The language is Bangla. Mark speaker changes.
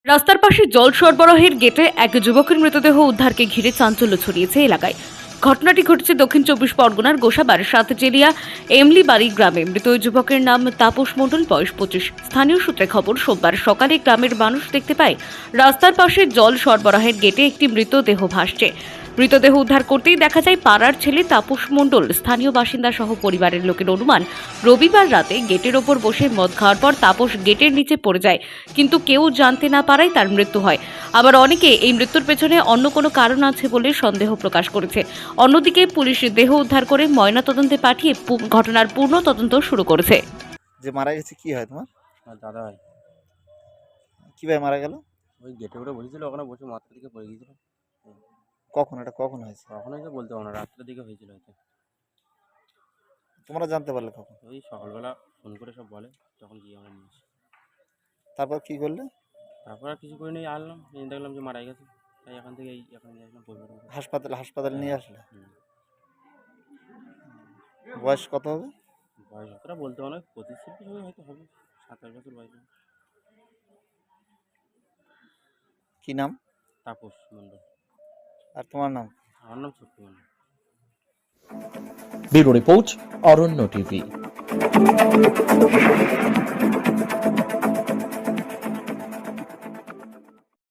Speaker 1: রাস্তার পাশে জল সরবরাহের গেটে এক যুবকের মৃতদেহ উদ্ধারকে ঘিরে চাঞ্চল্য ছড়িয়েছে এলাকায়। ঘটনাটি ঘটেছে দক্ষিণ চব্বিশ পরগনার গোসাবার সাতচেরিয়া এমলিবাড়ি গ্রামে। মৃত ওই যুবকের নাম তাপস মণ্ডল, বয়স 25। স্থানীয় সূত্রে খবর, সোমবার সকালে গ্রামের মানুষ দেখতে পায় রাস্তার পাশে জল সরবরাহের গেটে একটি মৃতদেহ ভাসছে। মৃতদেহ উদ্ধার করতেই দেখা যায় পাড়ার ছেলে তাপস মণ্ডল। স্থানীয় বাসিন্দা সহ পরিবারের লোকের অনুমান, রবিবার রাতে গেটের ওপর বসে মদ খাওয়ার পর তাপস গেটের নিচে পড়ে যায়, কিন্তু কেউ জানতে না পারায় তার মৃত্যু হয়। আবার অনেকে এই মৃত্যুর পেছনে অন্য কোনো কারণ আছে বলে সন্দেহ প্রকাশ করেছে। অন্যদিকে পুলিশ দেহ উদ্ধার করে ময়নাতদন্তে পাঠিয়ে ঘটনার পূর্ণ তদন্ত শুরু করেছে।
Speaker 2: যে মারা গেছে কি হয় তোমার?
Speaker 3: আমার দাদা হয়।
Speaker 2: কিভাবে মারা গেল?
Speaker 3: ওই গেটে উঠে বসেছিল, ওখানে বসে মাথার দিকে পড়ে গিয়েছিল।
Speaker 2: কখন হয়েছে?
Speaker 3: কখন হয়েছে বলতে পারবো না, রাত্রের দিকে হয়েছিল হয়তো।
Speaker 2: তোমরা জানতে পারলে কখন?
Speaker 3: ওই সকালবেলা ফোন করে সব বলে, তখন গিয়ে আমরা নিয়ে আসি।
Speaker 2: তারপর কি করলে?
Speaker 3: তারপর আর কিছু করে নিয়ে আসলাম, নিয়ে দেখলাম যে মারা গেছে। তাই এখান থেকে এখন নিয়ে আসলাম পরিবার।
Speaker 2: হাসপাতালে নিয়ে আসলে?
Speaker 3: হুম।
Speaker 2: বয়স কত হবে?
Speaker 3: বয়স অতটা বলতে পারবো না, 25-26 হয়তো হবে, 27 বছর বয়স হবে।
Speaker 2: কি নাম?
Speaker 3: তাপস মণ্ডল।
Speaker 2: আর তোমার নাম?
Speaker 3: আমার নাম Shakti Mondal.
Speaker 4: Bureau report, Aranya TV.